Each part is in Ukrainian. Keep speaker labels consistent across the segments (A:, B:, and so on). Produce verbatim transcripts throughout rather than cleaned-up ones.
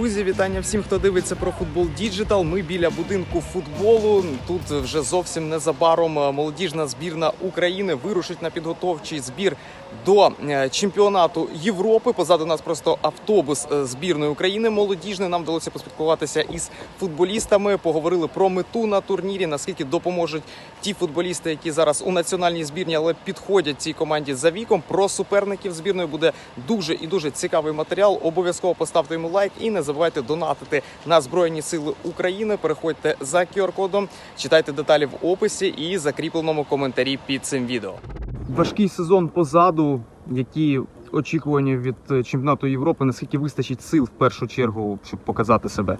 A: Друзі, вітання всім, хто дивиться про футбол Діджитал. Ми біля будинку футболу. Тут вже зовсім незабаром молодіжна збірна України вирушить на підготовчий збір до чемпіонату Європи. Позаду нас просто автобус збірної України молодіжної. Нам вдалося поспілкуватися із футболістами, поговорили про мету на турнірі, наскільки допоможуть ті футболісти, які зараз у національній збірні, але підходять цій команді за віком. Про суперників збірної буде дуже і дуже цікавий матеріал. Обов'язково поставте йому лайк і не забувайте донатити на Збройні Сили України. Переходьте за ку ар-кодом, читайте деталі в описі і закріпленому коментарі під цим відео. Важкий сезон позаду. Які очікування від чемпіонату Європи? Наскільки вистачить сил в першу чергу, щоб показати себе?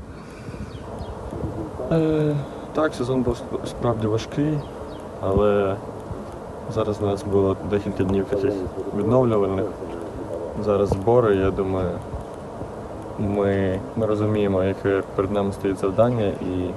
B: Е, так, сезон був справді важкий, але зараз у нас було декілька днів таких відновлювальних. Зараз збори, я думаю, ми, ми розуміємо, яке перед нами стоїть завдання і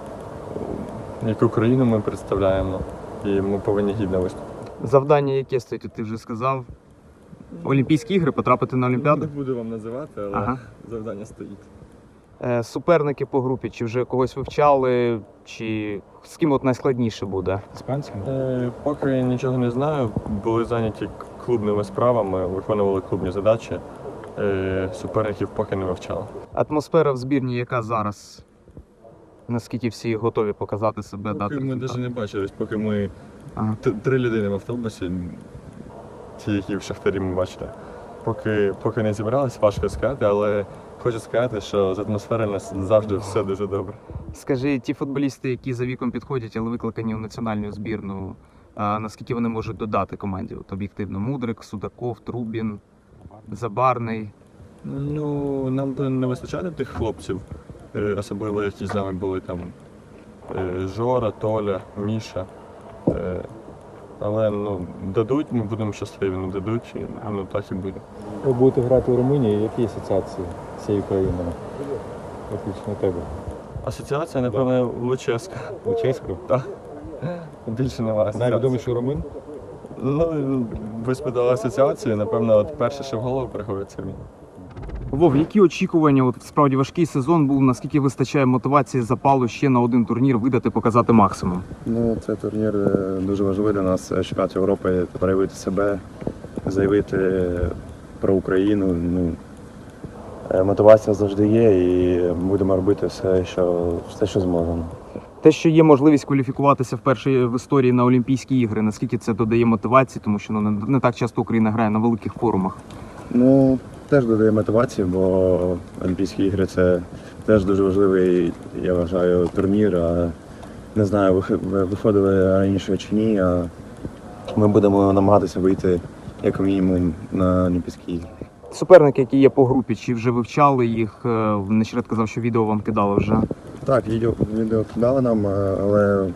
B: яку країну ми представляємо, і ми повинні гідно виступити.
A: Завдання яке стоїть, ти вже сказав? Олімпійські ігри, потрапити на Олімпіаду?
B: Не буду вам називати, але ага. Завдання стоїть.
A: Е, суперники по групі, чи вже когось вивчали, чи з ким от найскладніше буде?
B: Іспанцями? Е, поки я нічого не знаю, були зайняті клубними справами, виконували клубні задачі, е, суперників поки не вивчали.
A: Атмосфера в збірні яка зараз? Наскільки всі готові показати себе?
B: Поки
A: дати
B: ми навіть не бачились, поки ми
A: ага.
B: три людини в автобусі, ті, які в Шахтарі ми бачили. Поки, поки не зібрались, важко сказати, але хочу сказати, що з атмосфери у нас завжди все дуже добре.
A: Скажи, ті футболісти, які за віком підходять, але викликані в національну збірну, а наскільки вони можуть додати команді? От об'єктивно, Мудрик, Судаков, Трубін, Забарний.
B: Ну, нам би не вистачає тих хлопців, особливо які з нами були там Жора, Толя, Міша. Але ну, дадуть, ми будемо щасливі, не дадуть, ну так і буде.
C: Ви будете грати у Румунії, які асоціації з цією країною? Виключно тебе.
B: Асоціація, напевно, Лучеська.
C: Лучеська?
B: Так. Більше немає асоціації.
C: Найвідоміший румун?
B: Ну, ви спитали асоціацію, напевно, от перше, що в голову приходить, це мій.
A: Вов, які очікування? От справді важкий сезон був, наскільки вистачає мотивації, запалу ще на один турнір видати, показати максимум?
D: Ну, цей турнір дуже важливий для нас, чемпіонат Європи, проявити себе, заявити про Україну. Ну, мотивація завжди є і будемо робити все, що, все, що зможемо.
A: Те, що є можливість кваліфікуватися вперше в історії на Олімпійські ігри, наскільки це додає мотивації, тому що ну, не так часто Україна грає на великих форумах?
D: Ну, теж додає мотивації, бо Олімпійські ігри – це теж дуже важливий, я вважаю, турнір. А не знаю, виходили раніше чи ні, а ми будемо намагатися вийти, як мінімум, на Олімпійські ігри.
A: Суперники, які є по групі, чи вже вивчали їх? Нещодавно казав, що відео вам кидали вже.
D: Так, відео, відео кидали нам, але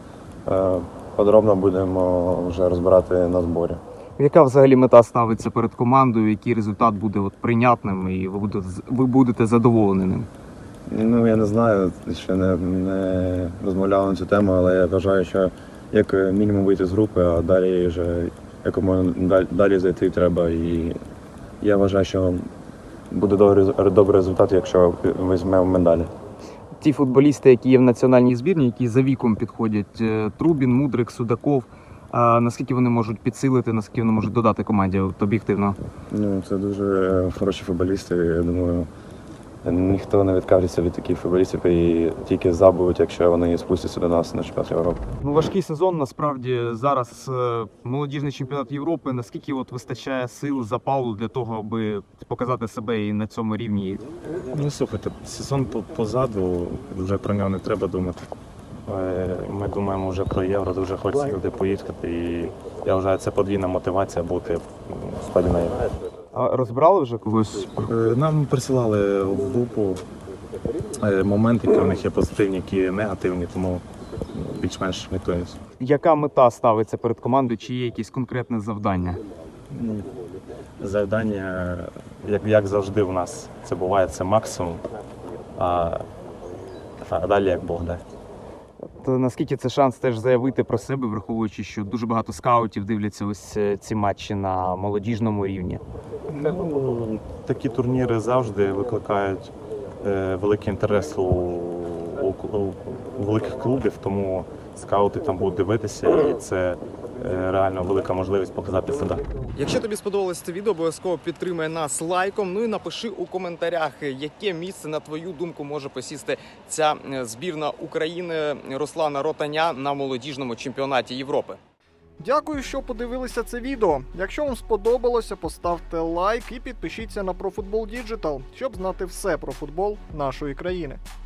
D: е, подробно будемо вже розбирати на зборі.
A: Яка взагалі мета ставиться перед командою, який результат буде от прийнятним і ви будете, ви будете задоволені ним?
D: Ну, я не знаю, ще не, не розмовляв на цю тему, але я вважаю, що як мінімум вийти з групи, а далі вже якомога далі, далі зайти треба. І я вважаю, що буде добрий, добрий результат, якщо візьмемо медалі.
A: Ті футболісти, які є в національній збірні, які за віком підходять, Трубін, Мудрик, Судаков, а наскільки вони можуть підсилити, наскільки вони можуть додати команді от, об'єктивно?
D: Ну, це дуже хороші футболісти. Я думаю, ніхто не відкажеться від таких футболістів і тільки забудуть, якщо вони спустяться до нас на чемпіонат Європи.
A: Ну, важкий сезон, насправді, зараз молодіжний чемпіонат Європи. Наскільки от вистачає сил, запалу для того, аби показати себе і на цьому рівні?
E: Ну, слухайте, сезон позаду, вже про нього не треба думати. Ми думаємо вже про Євро, дуже хочеться туди поїхати. І я вважаю, це подвійна мотивація бути в складі на Євро.
A: А розбирали вже когось?
E: Нам присилали в групу моменти, які в них є позитивні, які негативні, тому більш-менш готуємося.
A: Яка мета ставиться перед командою, чи є якесь конкретне завдання?
E: Ну, завдання, як, як завжди в нас, це буває, це максимум, а, а далі як Бог дасть.
A: То наскільки це шанс теж заявити про себе, враховуючи, що дуже багато скаутів дивляться ось ці матчі на молодіжному рівні?
E: Ну, такі турніри завжди викликають е, великий інтерес у, у, у, у великих клубів, тому скаути там будуть дивитися, і це е, реально велика можливість показати себе.
A: Якщо тобі сподобалось це відео, обов'язково підтримай нас лайком. Ну і напиши у коментарях, яке місце, на твою думку, може посісти ця збірна України Руслана Ротаня на молодіжному чемпіонаті Європи.
F: Дякую, що подивилися це відео. Якщо вам сподобалося, поставте лайк і підпишіться на ProFootball Digital, щоб знати все про футбол нашої країни.